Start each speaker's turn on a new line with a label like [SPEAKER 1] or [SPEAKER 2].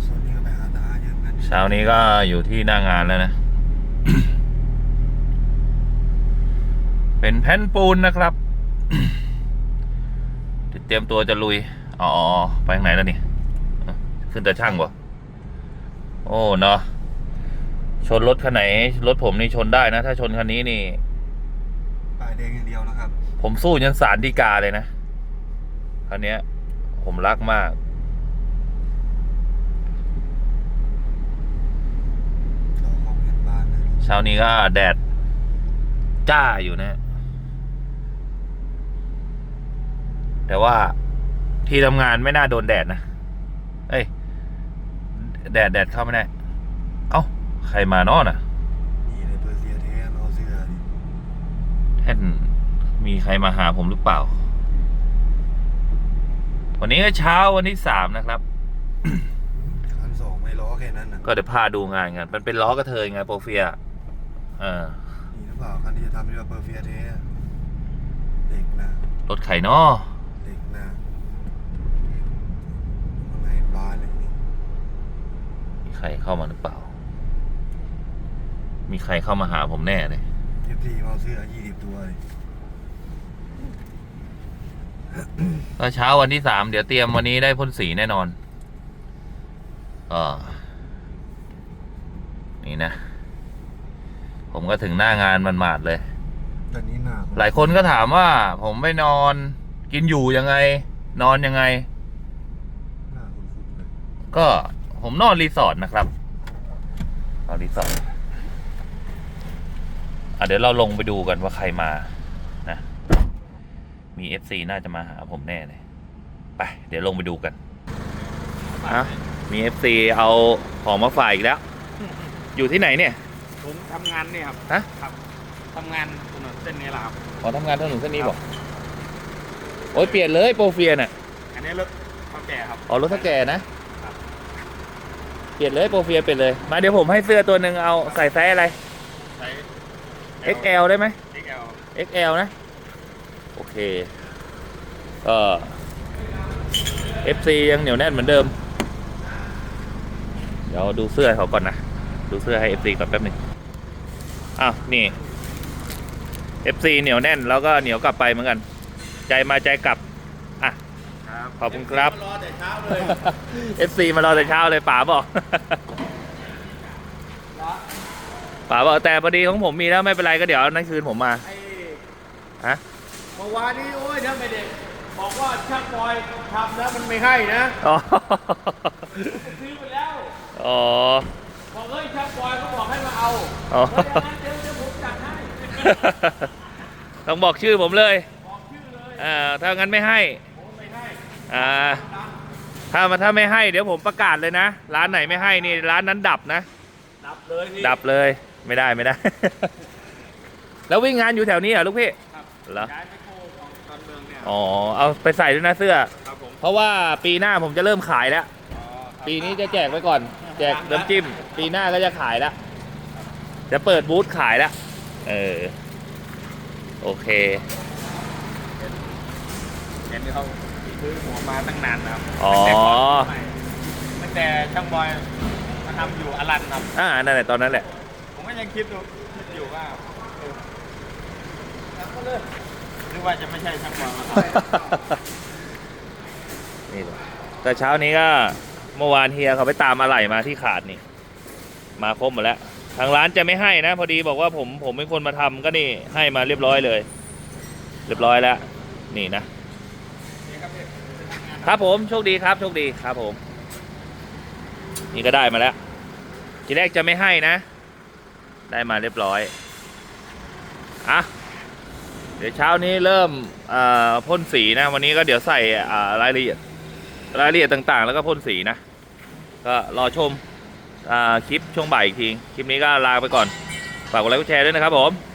[SPEAKER 1] ส่วนนี้ก็ไปหาตาเยอะกัน
[SPEAKER 2] เช้านี้ก็อยู่ที่หน้างานแล้วนะ เป็นแผ่นปูนนะครับ เตรียมตัวจะลุยอ๋อไปทางไหนแล้วนี่ขึ้นแต่ช่างบ่โอ้เนาะชนรถคันไหนรถผมนี่ชนได้นะถ้าชนคันนี้นี่
[SPEAKER 1] ป้ายแดงอย่างเดียวนะครับ
[SPEAKER 2] ผมสู้ยันศาลฎีกาเลยนะคันนี้ยผมรักมาก
[SPEAKER 1] เราเข้าเงินบ้านนะ
[SPEAKER 2] เช้านี้ก็แดดจ้าอยู่นะ แต่ว่าที่ทำงานไม่น่าโดนแดดนะเอ้ยแดดเข้าไม่ได้เอ้าใครมานอนอ่ะ
[SPEAKER 1] นี่ในเปอร์เซียเทสเอาเสื้อดิ
[SPEAKER 2] แท่นมีใครมาหาผมหรือเปล่า วันนี้ก็เช้าวันที่3นะครับ
[SPEAKER 1] คันสองไม่ล้อแค่นั้นนะ
[SPEAKER 2] ก็เดี๋ยวพาดูงานกันมันเป็นล้อกระเทยไงโปรเฟีย
[SPEAKER 1] นี่หรือเปล่าคันที่จะทำเรียกว่าเปอร์เซียเทสเด็กนะ
[SPEAKER 2] รถไข่นอ
[SPEAKER 1] เด็กนะข้างในบานเลยนี่
[SPEAKER 2] มีใครเข้ามาหรือเปล่า มีใครเข้ามาหาผมแน่เลย
[SPEAKER 1] เอฟซีเอาเสื้อ20 ตัวเลย
[SPEAKER 2] ก็เช้าวันที่3เดี๋ยวเตรียมวันนี้ได้พ่นสีแน่นอนนี่นะ ผมก็ถึงหน้างานมันหมาดเลย
[SPEAKER 1] ตอนนี้หน้า
[SPEAKER 2] หลายคนก็ถามว่าผมไปนอนกินอยู่ยังไง นอนยังไง
[SPEAKER 1] หน้าคุ้นๆเลย
[SPEAKER 2] ก็ผมนอนรีสอร์ทนะครับนอนรีสอร์ทเดี๋ยวเราลงไปดูกันว่าใครมานะมี FC น่าจะมาหาผมแน่เลยไปเดี๋ยวลงไปดูกันมี FC เอาของมาฝากอีกแล้ว อยู่ที่ไหนเนี่ย
[SPEAKER 3] ผมทำงานเนี่ยครับ
[SPEAKER 2] ฮะ
[SPEAKER 3] ครับทำงานถนนเส้นนี้แหละครับ
[SPEAKER 2] ขอทำงานถนนเส้นนี้บอกโอ้ยเปลี่ยนเลยโปรเฟียน่ะ
[SPEAKER 3] อันนี้รถเขาแก่ครับ
[SPEAKER 2] อ๋อรถถ้าแก่นะครับ เปลี่ยนเลยโปรเฟียเปลี่ยนเลยมาเดี๋ยวผมให้เสื้อตัวหนึ่งเอาใส่ไซส์อะไร
[SPEAKER 3] ใช้
[SPEAKER 2] XL ได้ไหม
[SPEAKER 3] XL
[SPEAKER 2] XL นะโอเคFC ยังเหนียวแน่นเหมือนเดิม เดี๋ยวดูเสื้อเขาก่อนนะดูเสื้อให้ FC ก่อนแป๊บหนึงอ้าวนี่ FC เหนียวแน่นแล้วก็เหนียวกลับไปเหมือนกัน ใจมาใจกลับอ่ะ
[SPEAKER 3] ครับ
[SPEAKER 2] ขอบคุณครับ
[SPEAKER 3] รอแต่เช้าเลย
[SPEAKER 2] FC มารอแต่เช้าเลยป๋าบอก ป๋าบอกแต่พอดีของผมมีแล้วไม่เป็นไรก็เดี๋ยวนั่นคืนผมมา
[SPEAKER 3] ไอ้
[SPEAKER 2] ฮะ
[SPEAKER 3] เมื่อวานนี้โอ้ยถ้าไม่เด็กบอกว่าช่างบอยทำแล้วมันไม่ให้นะ
[SPEAKER 2] อ๋อ
[SPEAKER 3] ซื้อไปแล้ว
[SPEAKER 2] อ๋อ
[SPEAKER 3] บอกเฮ้ยช่างบอยเขาบอกให้มาเอา
[SPEAKER 2] อ๋อ
[SPEAKER 3] เฮ้ยอย่างนั้นเดี๋ยวผมจัดให้
[SPEAKER 2] ต้องบอกชื่อผมเลย
[SPEAKER 3] บอกชื่อเลย
[SPEAKER 2] ถ้างั้นไม่ให้
[SPEAKER 3] ผมไม่ให้
[SPEAKER 2] ถ้าไม่ให้เดี๋ยวผมประกาศเลยนะ ร้านไหนไม่ให้นี่ร้านนั้นดับนะ
[SPEAKER 3] ดับเลยพี่
[SPEAKER 2] ดับเลยไม่ได้ แล้ววิ่งงานอยู่แถวนี้เหรอลูกพี่
[SPEAKER 3] ครับ
[SPEAKER 2] เหรอ
[SPEAKER 3] ย้ายไปโคของตอนเมืองเนี่ย
[SPEAKER 2] อ๋อเอาไปใส่ด้วยนะเสื้อ
[SPEAKER 3] ครับผม
[SPEAKER 2] เพราะว่าปีหน้าผมจะเริ่มขายแล้ว
[SPEAKER 3] อ๋อครับ
[SPEAKER 2] ปีนี้จะแจกไว้ก่อน แจกน้ำจิ้ม ปีหน้าก็จะขายแล้ว จะเปิดบูธขายแล้วโอเค
[SPEAKER 3] เห็นเขาซื้อหัวมาตั้งนานนะครับ
[SPEAKER 2] อ๋อ
[SPEAKER 3] ตั้งแต่ช่างบอยมาทำอยู่อลันครับ
[SPEAKER 2] นั่นแหละตอนนั้นแหละ
[SPEAKER 3] ผมก็ยังคิดอยู่ว่าก็เลยหรือว่าจะไม่ใช่ช่างบอยมาท
[SPEAKER 2] นี่เลยแต่เช้านี้ก็เมื่อวานเฮียเขาไปตามอะไหล่มาที่ขาดนี่ มาครบหมดแล้ว ทางร้านจะไม่ให้นะ พอดีบอกว่าผมเป็นคนมาทำก็นี่ให้มาเรียบร้อยเลย เรียบร้อยแล้ว นี่นะ
[SPEAKER 3] ำนี่ครับพี่
[SPEAKER 2] ครับผมโชคดีครับโชคดีครับผม นี่ก็ได้มาแล้ว ทีแรกจะไม่ให้นะ ได้มาเรียบร้อยเดี๋ยวเช้านี้เริ่มพ่นสีนะ วันนี้ก็เดี๋ยวใส่รายละเอียดต่างๆ แล้วก็พ่นสีนะ ก็รอชมคลิปช่วงบ่ายอีกที คลิปนี้ก็ลาไปก่อน ฝากกดไลค์กดแชร์ด้วยนะครับผม